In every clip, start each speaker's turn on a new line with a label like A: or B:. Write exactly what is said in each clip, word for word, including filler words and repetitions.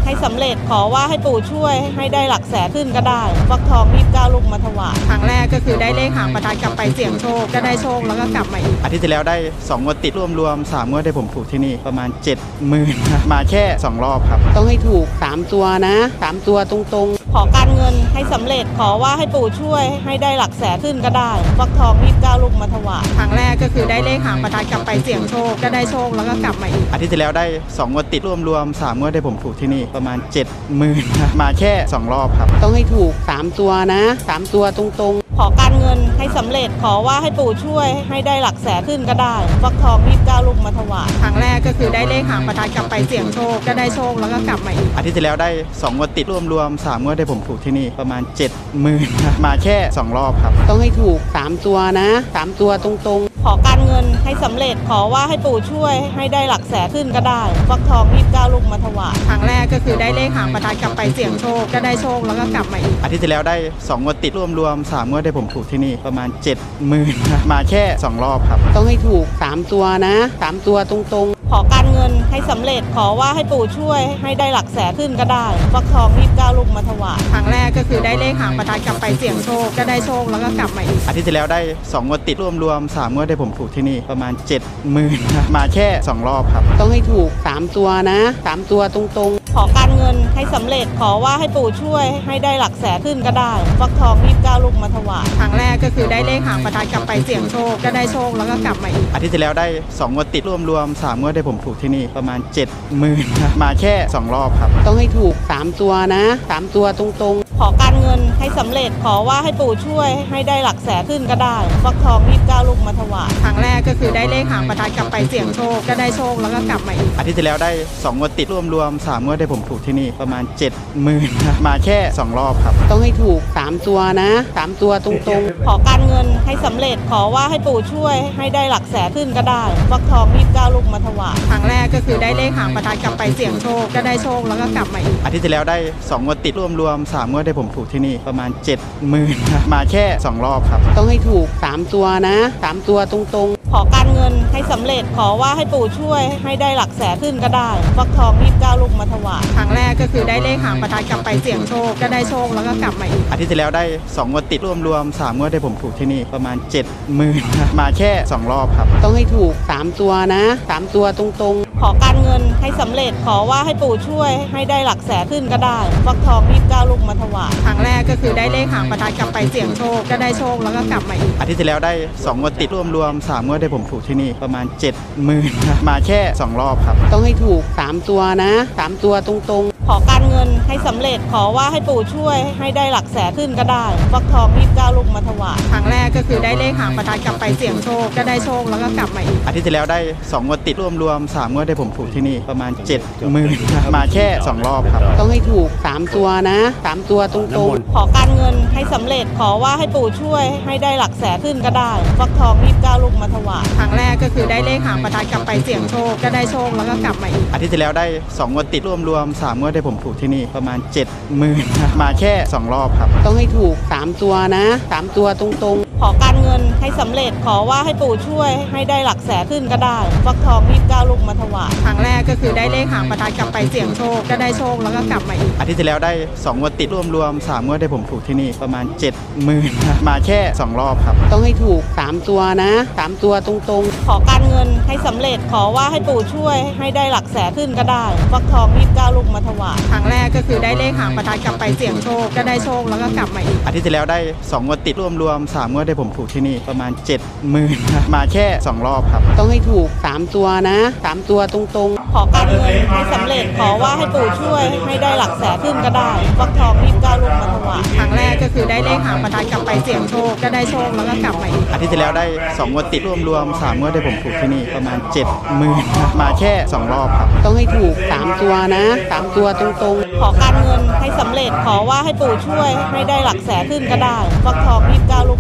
A: ให้สำเร็จขอว่าให้ปู่ช่วยให้ได้หลักแสนขึ้นก็ได้ฟักทองยี่สิบเก้าลูกมาถวายครั้งแรกก็คือได้เลขหางประทัดกลับไปเสี่ยงโชคก็ได้โชคแล้วก็กลับมาอีก
B: อาทิตย์ที่แล้วได้สองงวดติดรวมๆสามงวดได้ผมถูกที่นี่ประมาณ เจ็ดหมื่น มาแค่สองรอบครับ
C: ต้องให้ถูกสามตัวนะสามตัวตรง
A: ๆขอการเงินให้สำเร็จขอว่าให้ปู่ช่วยให้ได้หลักแสนขึ้นก็ได้ฟักทองยี่สิบเก้าลูกมาถวายครั้งแรกก็คือได้เลขหางประทัดกลับไปเสี่ยงโชคก็ได้โชคแล้วก็กลับมาอีก
B: อาทิตย์ที่แล้วได้สองงวดติดรวมๆสามงวดได้ผมถูกที่นี่ประมาณ เจ็ดหมื่น มาแค่สองรอบครับ
C: ต้องให้ถูกสามตัวนะสามตัวตรง
A: ๆขอการเงินให้สำเร็จขอว่าให้ปู่ช่วยให้ได้หลักแสนขึ้นก็ได้ฟักทองยี่สิบเก้าลูกมาถวายครั้งแรกก็คือได้เลขหางประทัดกลับไปเสี่ยงโชคก็ได้โชคแล้วก็กลับมาอีก
B: อาทิตย์ที่แล้วได้สองงวดติดรวมๆสามงวดได้ผมถูกที่นี่ประมาณ เจ็ดหมื่น มาแค่สองรอบครับ
C: ต้องให้ถูกสามตัวนะสามตัวตรง
A: ๆขอการเงินให้สำเร็จขอว่าให้ปู่ช่วยให้ได้หลักแสนขึ้นก็ได้ฟักทองยี่สิบเก้าลูกมาถวายครั้งแรกก็คือได้เลขหางประทัดกลับไปเสี่ยงโชคก็ได้โชคแล้วก็กลับมาอีก
B: อาทิตย์ที่แล้วได้สองงวดติดรวมๆสามงวดได้ผมถูกที่นี่ประมาณ เจ็ดหมื่น มาแค่สองรอบครับ
C: ต้องให้ถูกสามตัวนะสามตัวตรง
A: ๆขอการเงินให้สำเร็จขอว่าให้ปู่ช่วยให้ได้หลักแสนขึ้นก็ได้ฟักทองยี่สิบเก้าลูกมาถวายครั้งแรกก็คือได้เลขหางประทัดกลับไปเสี่ยงโชคก็ได้โชคแล้วก็กลับมาอีก
B: อาทิตย์ที่แล้วได้สองงวดติดรวมๆสามงวดได้ผมถูกที่นี่ประมาณ เจ็ดหมื่น มาแค่สองรอบครับ
C: ต้องให้ถูกสามตัวนะสามตัวตรง
A: ๆขอการเงินให้สำเร็จขอว่าให้ปู่ช่วยให้ได้หลักแสนขึ้นก็ได้ฟักทองยี่สิบเก้าลูกมาถวายครั้งแรกก็คือได้เลขหางประทัดกลับไปเสี่ยงโชคก็ได้โชคแล้วก็กลับมาอีก
B: อาทิตย์ที่แล้วได้สองงวดติดรวมๆสามงวดได้ผมถูกที่นี่ประมาณ เจ็ดหมื่น มาแค่สองรอบครับ
C: ต้องให้ถูกสามตัวนะสามตัวตรง
A: ๆขอการเงินให้สำเร็จขอว่าให้ปู่ช่วยให้ได้หลักแสนขึ้นก็ได้ฟักทองยี่สิบเก้าลูกมาถวายครั้งแรกก็คือได้เลขหางประทัดกลับไปเสี่ยงโชคก็ได้โชคแล้วก็กลับมาอีก
B: อาทิตย์ที่แล้วได้สองงวดติดรวมๆสามงวดได้ผมถูกที่นี่ประมาณ เจ็ดหมื่น มาแค่สองรอบครับ
C: ต้องให้ถูกสามตัวนะสามตัวตรง
A: ๆขอการเงินให้สำเร็จขอว่าให้ปู่ช่วยให้ได้หลักแสนขึ้นก็ได้ฟักทองยี่สิบเก้าลูกมาถวายครั้งแรกก็คือได้เลขหางประทัดกลับไปเสี่ยงโชคก็ได้โชคแล้วก็กลับมาอีก
B: อาทิตย์ที่แล้วได้สองงวดติดรวมๆสามงวดได้ผมถูกที่นี่ประมาณ เจ็ดหมื่น มาแค่สองรอบครับ
C: ต้องให้ถูกสามตัวนะสามตัวตรง
A: ๆขอการเงินให้สำเร็จขอว่าให้ปู่ช่วยให้ได้หลักแสนขึ้นก็ได้ฟักทองยี่สิบเก้าลูกมาถวายครั้งแรกก็คือได้เลขหางประทัดกลับไปเสี่ยงโชคก็ได้โชคแล้วก็กลับมาอีก
B: อาทิตย์ที่แล้วได้สองงวดติดรวมๆสามงวดได้ผมถูกที่นี่ประมาณ เจ็ดหมื่น มาแค่สองรอบครับ
C: ต้องให้ถูกสามตัวนะสามตัวตรง
A: ๆขอการเงินให้สำเร็จขอว่าให้ปู่ช่วยให้ได้หลักแสนขึ้นก็ได้ฟักทองยี่สิบเก้าลูกมาถวายครั้งแรกก็คือได้เลขหางประทัดกลับไปเสี่ยงโชคก็ได้โชคแล้วก็กลับมาอีก
B: อาทิตย์ที่แล้วได้สองงวดติดรวมๆสามงวดได้ผมถูกที่นี่ประมาณ เจ็ดหมื่น มาแค่สองรอบครับ
C: ต้องให้ถูกสามตัวนะสามตัวตรง
A: ๆขอการเงินให้สำเร็จขอว่าให้ปู่ช่วยให้ได้หลักแสนขึ้นก็ได้ฟักทองยี่สิบเก้าลูกมาถวายครั้งแรกก็คือได้เลขหางประทัดกลับไปเสี่ยงโชคก็ได้โชคแล้วก็กลับมาอีก
B: อาทิตย์ที่แล้วได้สองงวดติดรวมๆสามงวดได้ผมถูกที่นี่ประมาณ เจ็ดหมื่น มาแค่สองรอบครับ
C: ต้องให้ถูกสามตัวนะสามตัวตรง
A: ๆขอการเงินให้สำเร็จขอว่าให้ปู่ช่วยให้ได้หลักแสนขึ้นก็ได้ฟักทองยี่สิบเก้าลูกมาถวายครั้งแรกก็คือได้เลขหางประทัดกลับไปเสี่ยงโชคก็ได้โชคแล้วก็กลับมาอีก
B: อาทิตย์ที่แล้วได้สองงวดติดรวมๆสามงวดได้ผมถูกที่นี่ประมาณ เจ็ดหมื่น มาแค่สองรอบครับ
C: ต้องให้ถูกสามตัวนะสามตัวตรง
A: ๆขอการเงินให้สำเร็จขอว่าให้ปู่ช่วยให้ได้หลักแสนขึ้นก็ได้ฟักทองยี่สิบเก้าลูกมาถวายครั้งแรกก็คือได้เลขหางประทัดกลับไปเสี่ยงโชคก็ได้โชคแล้วก็กลับมาอีก
B: อาทิตย์ที่แล้วได้สองงวดติดรวมๆสามงวดได้ผมถูกที่นี่ประมาณ เจ็ดหมื่น มาแค่สองรอบครับ
C: ต้องให้ถูกสามตัวนะสามตัวตรง
A: ๆขอการเงินให้สำเร็จขอว่าให้ปู่ช่วยให้ได้หลักแสนขึ้นก็ได้ฟักทองยี่สิบเก้าลูกมาถวายครั้งแรกก็คือได้เลขหางประทัดกลับไปเสี่ยงโชคก็ได้โชคแล้วก็กลับมาอีก
B: อาทิตย์ที่แล้วได้สองงวดติดรวมๆสามงวดได้ผมถูกที่นี่ประมาณ เจ็ดหมื่น มาแค่สองรอบครับ
C: ต้องให้ถูกสามตัวนะสามตัวตรง
A: ๆขอการเงินให้สำเร็จขอว่าให้ปู่ช่วยให้ได้หลักแสนขึ้นก็ได้ฟักทองยี่สิบเก้าลูกมาถวายครั้งแรกก็คือได้เลขหางประทัดกลับไปเสี่ยงโชคก็ได้โชคแล้วก็กลับมาอีก
B: อาทิตย์ที่แล้วได้สองงวดติดรวมๆสามงวดได้ผมถูกที่นี่ประมาณ เจ็ดหมื่น มาแค่สองรอบครับ
C: ต้องให้ถูกสามตัวนะสามตัวตรง
A: ๆขอการเงินให้สำเร็จขอว่าให้ปู่ช่วยให้ได้หลักแสนขึ้นก็ได้ฟักทองยี่สิบเก้าลูกมาถวาย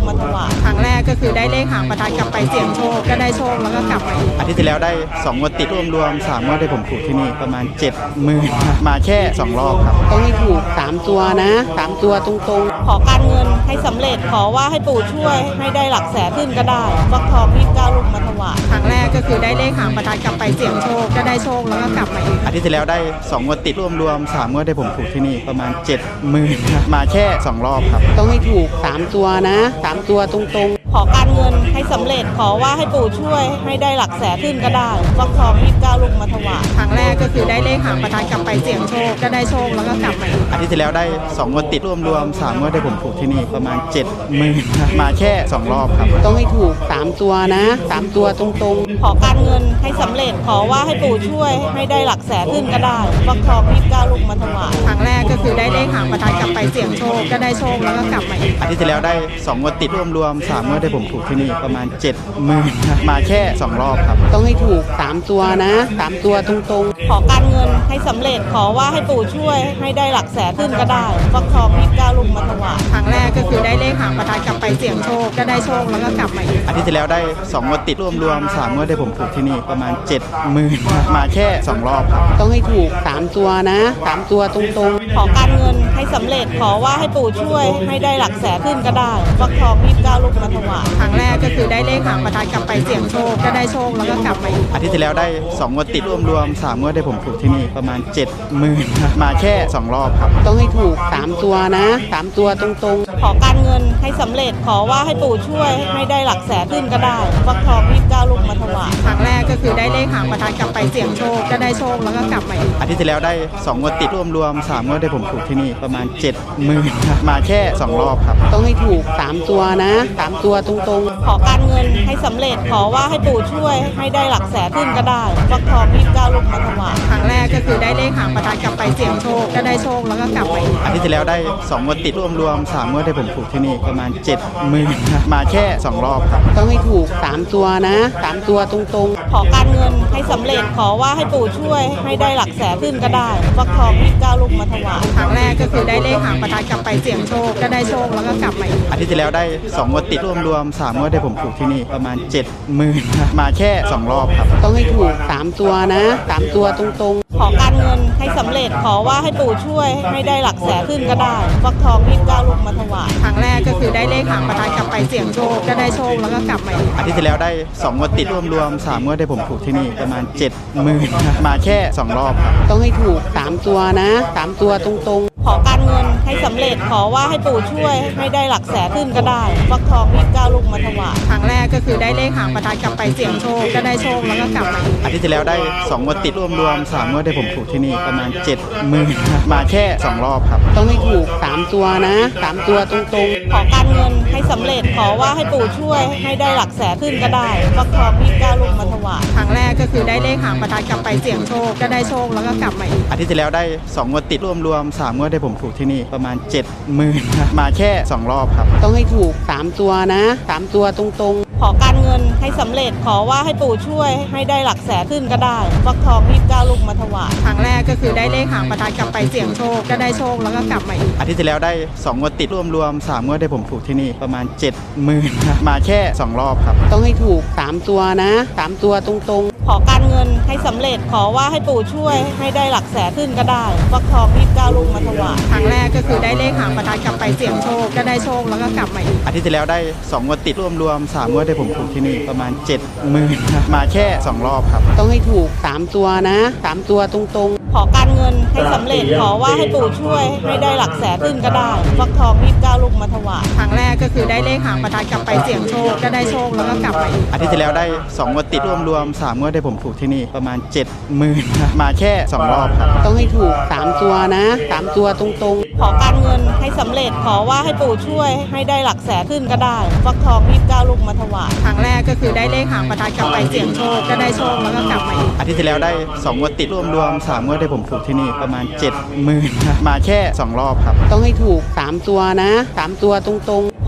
A: าครั้งแรกก็คือได้เลขหางประทัดกลับไปเสี่ยงโชคก็ได้โชคแล้วก็กลับมาอีก
B: อาทิตย์ที่แล้วได้สองงวดติดรวมรวมสามงวดที่ผมถูกที่นี่ประมาณเจ็ดหมื่นมาแค่สองรอบครับ
C: ต้องให้ถูกสามตัวนะสามตัวตรงๆ
A: ขอการเงินให้สำเร็จขอว่าให้ปู่ช่วยให้ได้หลักแสนขึ้นก็ได้ฟักทองยี่สิบเก้าลูกมาถวายครั้งแรกก็คือได้เลขหางประทัดกลับไปเสี่ยงโชคก็ได้โชคแล้วก็กลับมาอีก
B: อาทิตย์ที่แล้วได้สองงวดติดรวมรวมสามงวดที่ผมถูกที่นี่ประมาณเจ็ดหมื่นมาแค่สองรอบครับ
C: ต้องให้ถูกสามตัวนะสามตัวตรงๆ
A: ขอการเงินให้สำเร็จขอว่าให้ปู่ช่วยให้ได้หลักแสนขึ้นก็ได้ฟักทองยี่สิบเก้าลูกมาถวายครั้งแรกก็คือได้เลขหางประทัดกลับไปเสี่ยงโชคก็ได้โชคแล้วก็กลับมาอีก
B: อาทิตย์ที่แล้วได้สองงวดติดรวมรวมสามงวดที่ผมถูกที่นี่ประมาณเจ็ดหมื่นมาแค่สองรอบครับ
C: ต้องให้ถูกสามตัวนะสามตัวตรง
A: ขอการเงินให้สำเร็จขอว่าให้ปู่ช่วยให้ได้หลักแสนขึ้นก็ได้ฟักทองยี่สิบเก้าลูกมาถวายครั้งแรกก็คือได้เลขหางประทัดกลับไปเสี่ยงโชคก็ได้โชคแล้วก็กลับมาอีก
B: อาทิตย์ที่แล้วได้สองงวดติดรวมรวมสามงวดที่ผมถูกที่นี่ประมาณเจ็ดหมื่นมาแค่สองรอบครับ
C: ๆ ต้องให้ถูกสามตัวนะสามตัวตรง
A: ขอการเงินให้สำเร็จขอว่าให้ปู่ช่วยให้ได้หลักแสนขึ้นก็ได้ฟักทองยี่สิบเก้าลูกมาถวายครั้งแรกก็คือได้เลขหางประทัดกลับไปเสี่ยงโชคก็ได้โชคแล้วก็กลับมาอีก
B: อาทิตย์ที่แล้วได้สองงวดติดรวมรวมสามงวดที่ผมถูกที่นี่ประมาณเจ็ดหมื่นมาแค่สองรอบครับ
C: ๆ ต้องให้ถูกสามตัวนะสามตัวตรง
A: ขอการเงินให้สำเร็จขอว่าให้ปู่ช่วยให้ได้หลักแสนขึ้นก็ได้ฟักทองยี่สิบเก้าลูกมาถวายครั้งแรกก็คือได้เลขหางประทัดกลับไปเสี่ยงโชคก็ได้โชคแล้วก็กลับมาอีก
B: อาทิตย์ที่แล้วได้สองงวดติดรวมรวมสามงวดที่ผมถูกที่นี่ประมาณเจ็ดหมื่นมาแค่สองรอบครับ
C: ๆ ต้องให้ถูกสามตัวนะสามตัวตรง
A: ขอการเงินให้สำเร็จขอว่าให้ปู่ช่วยให้ได้หลักแสนขึ้นก็ได้ฟักทองยี่สิบเก้าลูกมาถวายครั้งแรกก็คือได้เลขหางประทัดกลับไปเสี่ยงโชคก็ได้โชคแล้วก็กลับมาอีก
B: อาทิตย์ที่แล้วได้สองงวดติดรวมรวมสามงวดที่ผมถูกที่นี่ประมาณเจ็ดหมื่นมาแค่สองรอบครับ
C: ๆ ต้องให้ถูกสามตัวนะสามตัวตรงๆ
A: ขอการเงินให้สำเร็จขอว่าให้ปู่ช่วยให้ได้หลักแสนขึ้นก็ได้ฟักทองยี่สิบเก้าลูกมาถวายครั้งแรกก็คือได้เลขหางประทัดกลับไปเสี่ยงโชคก็ได้โชคแล้วก็กลับมาอีก
B: อาทิตย์ที่แล้วได้สองงวดติดรวมรวมสามงวดที่ผมถูกที่นี่ประมาณเจ็ดหมื่นมาแค่สองรอบครับ
C: ต้องให้ถูกสามตัวนะสามตัวตรงๆ
A: ขอการเงินให้สำเร็จขอว่าให้ปู่ช่วยให้ได้หลักแสนขึ้นก็ได้ฟักทองยี่สิบเก้าลูกมาถวายครั้งแรกก็คือได้เลขหางประทัดกลับไปเสี่ยงโชคก็ได้โชคแล้วก็กลับมาอีก
B: อาทิตย์ที่แล้วได้สองงวดติดรวมรวมสามงวดที่ผมถูกที่นี่ประมาณเจ็ดหมื่นมาแค่สองรอบครับ
C: ต้องให้ถูกสามตัวนะสามตัวตรง
A: ขอการเงินให้สำเร็จขอว่าให้ปู่ช่วยให้ได้หลักแสนขึ้นก็ได้ฟักทองยี่สิบเก้าลูกมาถวายครั้งแรกก็คือได้เลขหางประทัดกลับไปเสี่ยงโชคก็ได้โชคแล้วก็กลับมาอีก
B: อาทิตย์ที่แล้วได้สองงวดติดรวมรวมสามงวดที่ผมถูกที่นี่ประมาณเจ็ดหมื่นมาแค่สองรอบครับ
C: ๆ ต้องให้ถูกสามตัวนะสามตัวตรง
A: ขอการเงินให้สำเร็จขอว่าให้ปู่ช่วยให้ได้หลักแสนขึ้นก็ได้ฟักทองยี่สิบเก้าลูกมาถวายครั้งแรกก็คือได้เลขหางประทัดกลับไปเสี่ยงโชคก็ได้โชคแล้วก็กลับมาอีก
B: อาทิตย์ที่แล้วได้สองงวดติดรวมรวมสามงวดที่ผมถูกที่นี่ประมาณเจ็ดหมื่นมาแค่สองรอบครับ
C: ๆ ต้องให้ถูกสามตัวนะสามตัวตรง
A: ขอการเงินให้สำเร็จขอว่าให้ปู่ช่วยให้ได้หลักแสนขึ้นก็ได้ฟักทองยี่สิบเก้าลูกมาถวายครั้งแรกก็คือได้เลขหางประทัดกลับไปเสี่ยงโชคก็ได้โชคแล้วก็กลับมาอีก
B: อาทิตย์ที่แล้วได้สองงวดติดรวมรวมสามงวดที่ผมถูกที่นี่ประมาณเจ็ดหมื่นมาแค่สองรอบครับ
C: ๆ ต้องให้ถูกสามตัวนะสามตัวตรง
A: ขอการเงินให้สำเร็จขอว่าให้ปู่ช่วยให้ได้หลักแสนขึ้นก็ได้ฟักทองยี่สิบเก้าลูกมาถวายครั้งแรกก็คือได้เลขหางประทัดกลับไปเสี่ยงโชคก็ได้โชคแล้วก็กลับมาอีก
B: อาทิตย์ที่แล้วได้สองงวดติดรวมรวมสามงวดที่ผมถูกที่นี่ประมาณเจ็ดหมื่นมาแค่สองรอบครับ
C: ๆ ต้องให้ถูกสามตัวนะสามตัวตรง
A: ขอการเงินให้สำเร็จขอว่าให้ปู่ช่วยให้ได้หลักแสนขึ้นก็ได้ฟักทองยี่สิบเก้าลูกมาถวายครั้งแรกก็คือได้เลขหางประทัดกลับไปเสี่ยงโชคก็ได้โชคแล้วก็กลับมาอีก
B: อาทิตย์ที่แล้วได้สองงวดติดรวมรวมสามงวดที่ผมถูกที่นี่ประมาณเจ็ดหมื่นมาแค่สองรอบครับ
C: ๆ ต้องให้ถูกสามตัวนะสามตัวตรง
A: ขอการเงินให้สำเร็จขอว่าให้ปู่ช่วยให้ได้หลักแสนขึ้นก็ได้ฟักทองยี่สิบเก้าลูกมาถวายครั้งแรกก็คือได้เลขหางประทัดกลับไปเสี่ยงโชคก็ได้โชคแล้วก็กลับมาอีก
B: อาทิตย์ที่แล้วได้สองงวดติดรวมรวมสามงวดที่ผมถูกที่นี่ประมาณเจ็ดหมื่นมาแค่สองรอบครับ
C: ๆ ต้องให้ถูกสามตัวนะสามตัวตรง
A: ขอการเงินให้สำเร็จขอว่าให้ปู่ช่วยให้ได้หลักแสนขึ้นก็ได้ฟักทองยี่สิบเก้าลูกมาถวายครั้งแรกก็คือได้เลขหางประทัดกลับไปเสี่ยงโชคก็ได้โชคแล้วก็กลับมาอีก
B: อาทิตย์ที่แล้วได้สองงวดติดรวมรวมสามงวดที่ผมถูกที่นี่ประมาณเจ็ดหมื่นมาแค่สองรอบครับ
C: ๆ ต้องให้ถูกสามตัวนะสามตัวตรงๆ
A: ขอการเงิน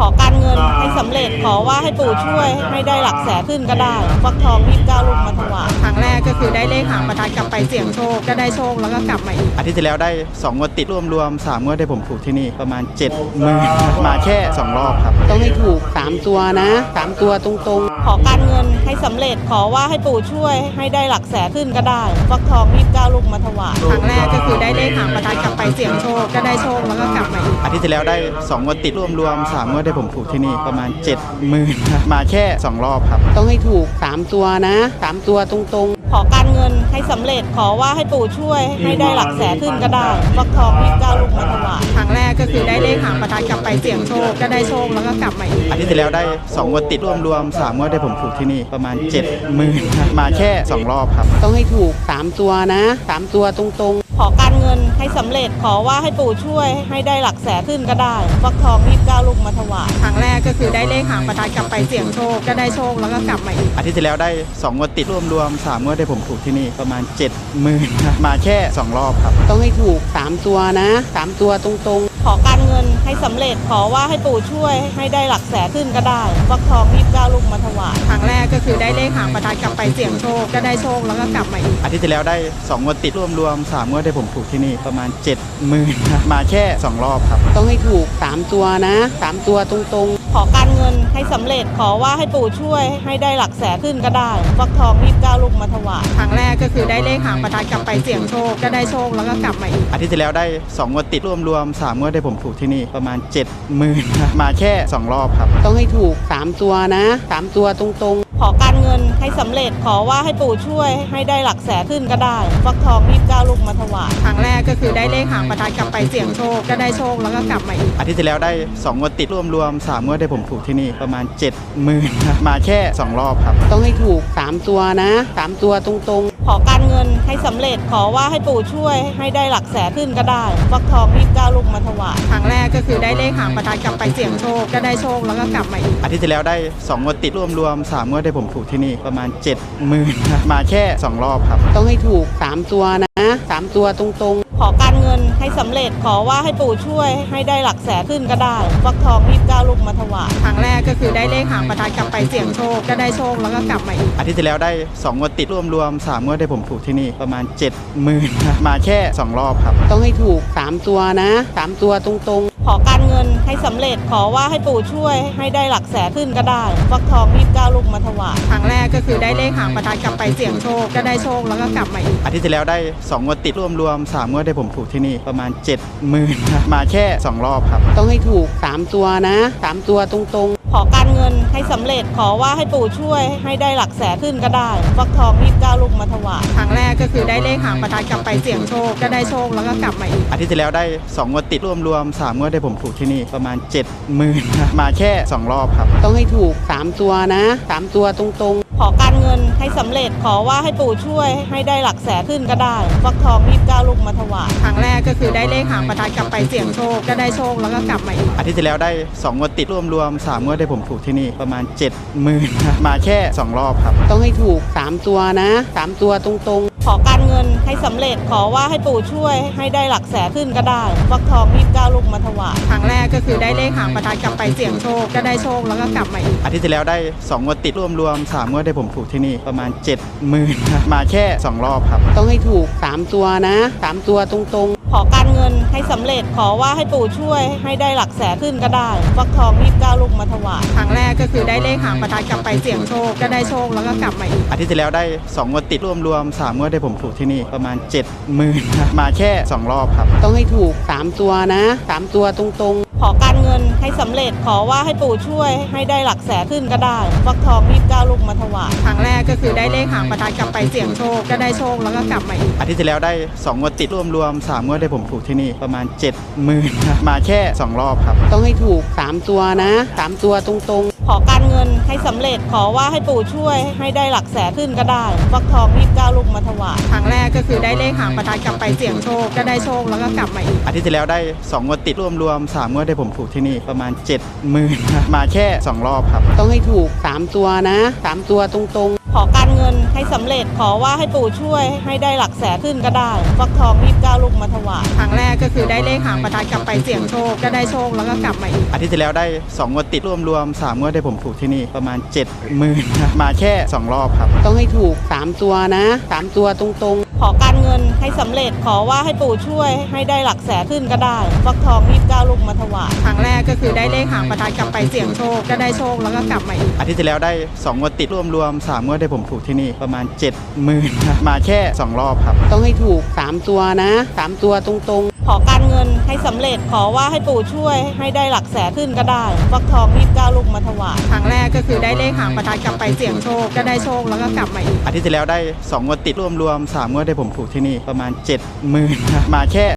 A: งินให้สำเร็จขอว่าให้ปู่ช่วยให้ได้หลักแสนขึ้นก็ได้ฟักทองยี่สิบเก้าลูกมาถวายครั้งแรกก็คือได้เลขหางประทัดกลับไปเสี่ยงโชคก็ได้โชคแล้วก็กลับมาอีก
B: อาทิตย์ที่แล้วได้สองงวดติดรวมๆสามงวดได้ผมถูกที่นี่ประมาณเจ็ดหมื่นมาแค่สองรอบครับ
C: ต้องให้ถูกสามตัวนะสามตัวตรงๆ
A: ขอการเงินให้สำเร็จขอว่าให้ปู่ช่วยให้ได้หลักแสนขึ้นก็ได้ฟักทองยี่สิบเก้าลูกมาถวายครั้งแรกก็คือได้เลขหางประทัดกลับไปเสี่ยงโชคก็ได้โชคแล้วก็กลับมาอีก
B: อาทิตย์ที่แล้วได้สองงวดติดรวมๆสามงวดได้ผมถูกที่นี่ประมาณเจ็ดหมื่นมาแค่สองรอบครับ
C: ต้องให้ถูกสามตัวนะสามตัวตรง
A: ๆขอการเงินให้สำเร็จขอว่าให้ปู่ช่วยให้ได้หลักแสนขึ้นก็ได้ฟักทองยี่สิบเก้าลูกมาถวายครั้งแรกก็คือได้เลขหางประทัดกลับไปเสี่ยงโชคก็ได้โชคแล้วก็กลับมาอีก
B: อาทิตย์ที่แล้วได้สองงวดติดรวมๆสามงวดได้ผมถูกที่นี่ประมาณเจ็ดหมื่นมาแค่สองรอบครับ
C: ต้องให้ถูกสามตัวนะสามตัวตรง
A: ๆขอการเงินให้สำเร็จขอว่าให้ปู่ช่วยให้ได้หลักแสนขึ้นก็ได้ฟักทองยี่สิบเก้าลูกมาถวายครั้งแรกก็คือได้เลขหางประทัดกลับไปเสี่ยงโชคก็ได้โชคแล้วก็กลับมาอีก
B: อาทิตย์ที่แล้วได้สองงวดติดรวมๆสามงวดได้ผมถูกที่นี่ประมาณเจ็ดหมื่นมาแค่สองรอบครับ
C: ต้องให้ถูกสามตัวนะสามตัวตรงๆ
A: ขอการเงินให้สำเร็จขอว่าให้ปู่ช่วยให้ได้หลักแสนขึ้นก็ได้ฟักทองยี่สิบเก้าลูกมาถวายครั้งแรกก็คือได้เลขหางประทัดกลับไปเสี่ยงโชคก็ได้โชคแล้วก็กลับมาอีก
B: อาทิตย์ที่แล้วได้สองงวดติดรวมๆสามงวดได้ผมถูกที่นี่ประมาณเจ็ดหมื่นมาแค่สองรอบครับ
C: ต้องให้ถูกสามตัวนะสามตัวตรง
A: ๆขอการเงินให้สำเร็จขอว่าให้ปู่ช่วยให้ได้หลักแสนขึ้นก็ได้ฟักทองยี่สิบเก้าลูกมาถวายครั้งแรกก็คือได้เลขหางประทัดกลับไปเสี่ยงโชคก็ได้โชคแล้วก็กลับมาอีก
B: อาทิตย์ที่แล้วได้สองงวดติดรวมๆสามงวดได้ผมถูกที่นี่ประมาณเจ็ดหมื่นมาแค่สองรอบครับ
C: ต้องให้ถูกสามตัวนะสามตัวตรง
A: ๆขอการเงินให้สำเร็จขอว่าให้ปู่ช่วยให้ได้หลักแสนขึ้นก็ได้ฟักทองยี่สิบเก้าลูกมาถวายครั้งแรกก็คือได้เลขหางประทัดกลับไปเสี่ยงโชคก็ได้โชคแล้วก็กลับมาอีก
B: อาทิตย์ที่แล้วได้สองงวดติดรวมๆสามงวดได้ผมถูกที่นี่ประมาณเจ็ดหมื่นมาแค่สองรอบครับ
C: ต้องให้ถูกสามตัวนะสามตัวตรง
A: ๆขอการเงินให้สำเร็จขอว่าให้ปู่ช่วยให้ได้หลักแสนขึ้นก็ได้ฟักทองยี่สิบเก้าลูกมาถวายครั้งแรกก็คือได้เลขหางประทัดกลับไปเสี่ยงโชคก็ได้โชคแล้วก็กลับมาอีก
B: อาทิตย์ที่แล้วได้สองงวดติดรวมๆสามงวดได้ผมถูกที่นี่ประมาณเจ็ดหมื่นมาแค่สองรอบครับ
C: ต้องให้ถูกสามตัวนะสามตัวตรง
A: ๆขอการเงินให้สำเร็จขอว่าให้ปู่ช่วยให้ได้หลักแสนขึ้นก็ได้ฟักทองยี่สิบเก้าลูกมาถวายครั้งแรกก็คือได้เลขหางประทัดกลับไปเสี่ยงโชคก็ได้โชคแล้วก็กลับมาอีก
B: อาทิตย์ที่แล้วได้สองงวดติดรวมๆสามงวดได้ผมถูกที่นี่ประมาณเจ็ดหมื่นมาแค่สองรอบครับ
C: ต้องให้ถูกสามตัวนะสามตัวตรง
A: ๆขอการเงินให้สำเร็จขอว่าให้ปู่ช่วยให้ได้หลักแสนขึ้นก็ได้ฟักทองยี่สิบเก้าลูกมาถวายครั้งแรกก็คือได้เลขหางประทัดกลับไปเสี่ยงโชคก็ได้โชคแล้วก็กลับมาอีก
B: อาทิตย์ที่แล้วได้สองงวดติดรวมๆสามงวดได้ผมถูกที่นี่ประมาณเจ็ดหมื่นมาแค่สองรอบครับ
C: ต้องให้ถูกสามตัวนะสามตัวตรง
A: ๆขอการเงินให้สำเร็จขอว่าให้ปู่ช่วยให้ได้หลักแสนขึ้นก็ได้ฟักทองยี่สิบเก้าลูกมาถวายครั้งแรกก็คือได้เลขหางประทัดกลับไปเสี่ยงโชคก็ได้โชคแล้วก็กลับมาอีก
B: อาทิตย์ที่แล้วได้สองงวดติดรวมๆสามงวดได้ผมถูกที่นี่ประมาณเจ็ดหมื่นมาแค่สองรอบครับ
C: ต้องให้ถูกสามตัวนะสามตัวตรง
A: ๆขอการเงินให้สำเร็จขอว่าให้ปู่ช่วยให้ได้หลักแสนขึ้นก็ได้ฟักทองยี่สิบเก้าลูกมาถวายครั้งแรกก็คือได้เลขหางประทัดกลับไปเสี่ยงโชคก็ได้โชคแล้วก็กลับมาอีก
B: อาทิตย์ที่แล้วได้สองงวดติดรวมๆสามงวดได้ผมถูกที่นี่ประมาณเจ็ดหมื่นมาแค่สองรอบครับ
C: ต้องให้ถูกสามตัวนะสามตัวตรง
A: ๆขอการเงินให้สำเร็จขอว่าให้ปู่ช่วยให้ได้หลักแสนขึ้นก็ได้ฟักทองยี่สิบเก้าลูกมาถวายครั้งแรกก็คือได้เลขหางประทัดกลับไปเสี่ยงโชคก็ได้โชคแล้วก็กลับมาอีก
B: อาทิตย์ที่แล้วได้สองงวดติดรวมๆสามงวดได้ผมถูกที่นี่ประมาณเจ็ดหมื่นมาแค่สองรอบครับ
C: ต้องให้ถูกสามตัวนะสามตัวตรง
A: ๆขอการเงินให้สำเร็จขอว่าให้ปู่ช่วยให้ได้หลักแสนขึ้นก็ได้ฟักทองยี่สิบเก้าลูกมาถวายครั้งแรกก็คือได้เลขหางประทัดกลับไปเสี่ยงโชคก็ได้โชคแล้วก็กลับมาอีก
B: อาทิตย์ที่แล้วได้สองงวดติดรวมๆสามงวดได้ผมถูกที่นี่ประมาณเจ็ดหมื่นมาแค่สองรอบครับ
C: ต้องให้ถูกสามตัวนะสามตัวตรง
A: ๆขอการเงินให้สำเร็จขอว่าให้ปู่ช่วยให้ได้หลักแสนขึ้นก็ได้ฟักทองยี่สิบเก้าลูกมาถวายครั้งแรกก็คือได้เลขหางประทัดกลับไปเสี่ยงโชคก็ได้โชคแล้วก็กลับมาอีก
B: อาทิตย์ที่แล้วได้สองงวดติดรวมๆสามงวดได้ผมถูกที่นี่ประมาณเจ็ดหมื่นมาแค่สองรอบครับ
C: ต้องให้ถูกสามตัวนะสามตัวตรง
A: ๆขอการเงินให้สำเร็จขอว่าให้ปู่ช่วยให้ได้หลักแสนขึ้นก็ได้ฟักทองยี่สิบเก้าลูกมาถวายครั้งแรกก็คือได้เลขหางประทัดกลับไปเสี่ยงโชคก็ได้โชคแล้วก็กลับมาอีก
B: อาทิตย์ที่แล้วได้สองงวดติดรวมๆสามงวดได้ผมถูกที่นี่ประมาณเจ็ดหมื่นมาแค่สองรอบครับ
C: ต้องให้ถูกสามตัวนะสามตัวตรงๆ
A: ขอการเงินให้สำเร็จขอว่าให้ปู่ช่วยให้ได้หลักแสนขึ้นก็ได้ฟักทองยี่สิบเก้าลูกมาถวายครั้งแรกก็คือได้เลขหางประทัดกลับไปเสี่ยงโชคก็ได้โชคแล้วก็กลับมาอีก
B: อาทิตย์ที่แล้วได้สองงวดติดรวมรวมสามงวดได้ผมถูกที่นี่ประมาณ เจ็ดหมื่นครับมาแค่สองรอบครับ
C: ต้องให้ถูกสามตัวนะสามตัวตรงๆ
A: ขอการเงินให้สำเร็จขอว่าให้ปู่ช่วยให้ได้หลักแสนขึ้นก็ได้ฟักทองยี่สิบเก้าลูกมาถวายครั้งแรกก็คือได้เลขหางประทัดกลับไปเสี่ยงโชคก็ได้โชคแล้วก็กลับมาอีก
B: อาทิตย์ที่แล้วได้สองงวดติดรวมรวมสามงวดได้ผมถูกที่นี่ประมาณ เจ็ดหมื่นครับมาแค่สองรอบครับ
C: ต้องให้ถูกสามตัวนะสามตัวตรงๆ
A: ขอการเงินให้สำเร็จขอว่าให้ปู่ช่วยให้ได้หลักแสนขึ้นก็ได้ฟักทองยี่สิบเก้าลูกมาถวายครั้งแรกก็คือได้เลขหางประทัดกลับไปเสี่ยงโชคก็ได้โชคแล้วก็กลับมาอีก
B: อาทิตย์ที่แล้วได้สองงวดติดรวมรวมสามงวดได้ผมถูกที่นี่ประมาณ เจ็ดหมื่นครับมาแค่